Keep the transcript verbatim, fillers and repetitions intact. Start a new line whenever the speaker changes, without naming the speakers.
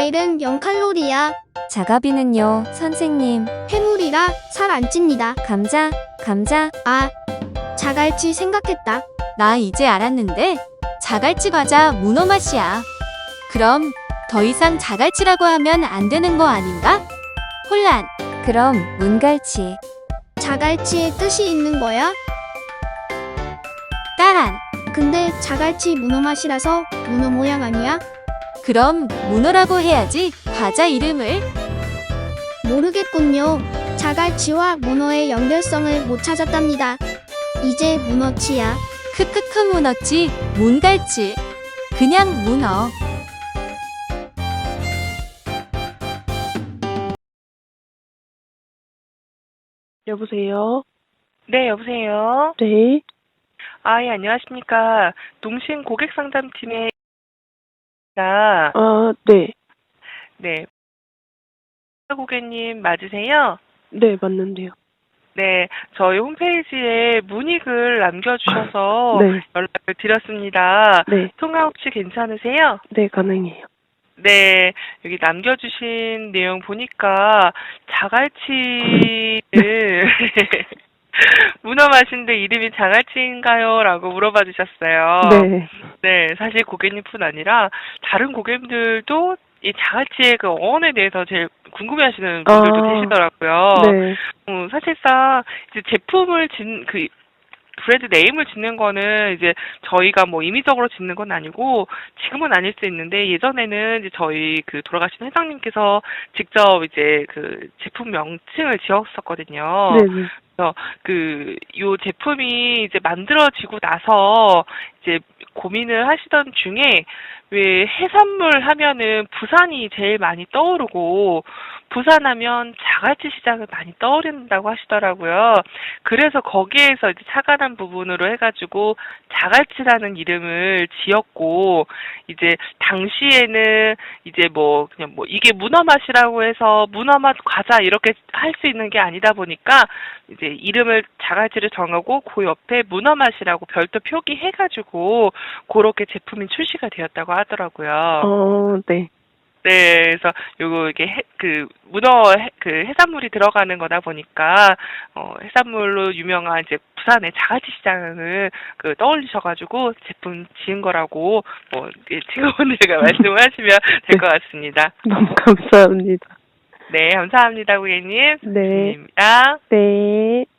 과일은 영 칼로리야.
자가비는요, 선생님.
해물이라 살 안 찝니다.
감자, 감자.
아, 자갈치 생각했다.
나 이제 알았는데 자갈치 과자 문어 맛이야. 그럼 더 이상 자갈치라고 하면 안 되는 거 아닌가? 혼란. 그럼 문갈치.
자갈치에 뜻이 있는 거야?
따란.
근데 자갈치 문어 맛이라서 문어 모양 아니야?
그럼 문어라고 해야지 과자 이름을.
모르겠군요. 자갈치와 문어의 연결성을 못 찾았답니다. 이제 문어치야.
크크크 문어치, 문갈치. 그냥 문어.
여보세요?
네, 여보세요?
네.
아, 예, 안녕하십니까. 농심 고객상담팀의 나,
아, 네.
네, 고객님 맞으세요?
네, 맞는데요.
네, 저희 홈페이지에 문의글 남겨주셔서
네.
연락을 드렸습니다.
네.
통화 혹시 괜찮으세요?
네, 가능해요.
네, 여기 남겨주신 내용 보니까 자갈치를 문어 맛인데 이름이 자갈치인가요? 라고 물어봐 주셨어요.
네.
네, 사실 고객님뿐 아니라 다른 고객님들도 이 자갈치의 그 어원에 대해서 제일 궁금해하시는 분들도
아,
계시더라고요.
네.
음, 사실상 이제 제품을 짓, 그 브랜드 네임을 짓는 거는 이제 저희가 뭐 임의적으로 짓는 건 아니고 지금은 아닐 수 있는데 예전에는 이제 저희 그 돌아가신 회장님께서 직접 이제 그 제품 명칭을 지었었거든요.
네, 네.
그래서 그 요 제품이 이제 만들어지고 나서 이제 고민을 하시던 중에 왜 해산물 하면은 부산이 제일 많이 떠오르고 부산하면 자갈치 시장을 많이 떠오른다고 하시더라고요. 그래서 거기에서 이제 착안한 부분으로 해가지고 자갈치라는 이름을 지었고 이제 당시에는 이제 뭐 그냥 뭐 이게 문어 맛이라고 해서 문어 맛 과자 이렇게 할 수 있는 게 아니다 보니까 이제 이름을 자갈치를 정하고 그 옆에 문어 맛이라고 별도 표기해가지고 그렇게 제품이 출시가 되었다고 하더라고요.
어, 네.
네, 그래서 요거 이게 해, 그 문어 해, 그 해산물이 들어가는 거다 보니까 어 해산물로 유명한 이제 부산의 자갈치 시장을 그 떠올리셔가지고 제품 지은 거라고 뭐 이제 직원들과 말씀을 하시면 될 것 같습니다.
너무 감사합니다.
네, 감사합니다, 고객님.
네.
입니다.
네.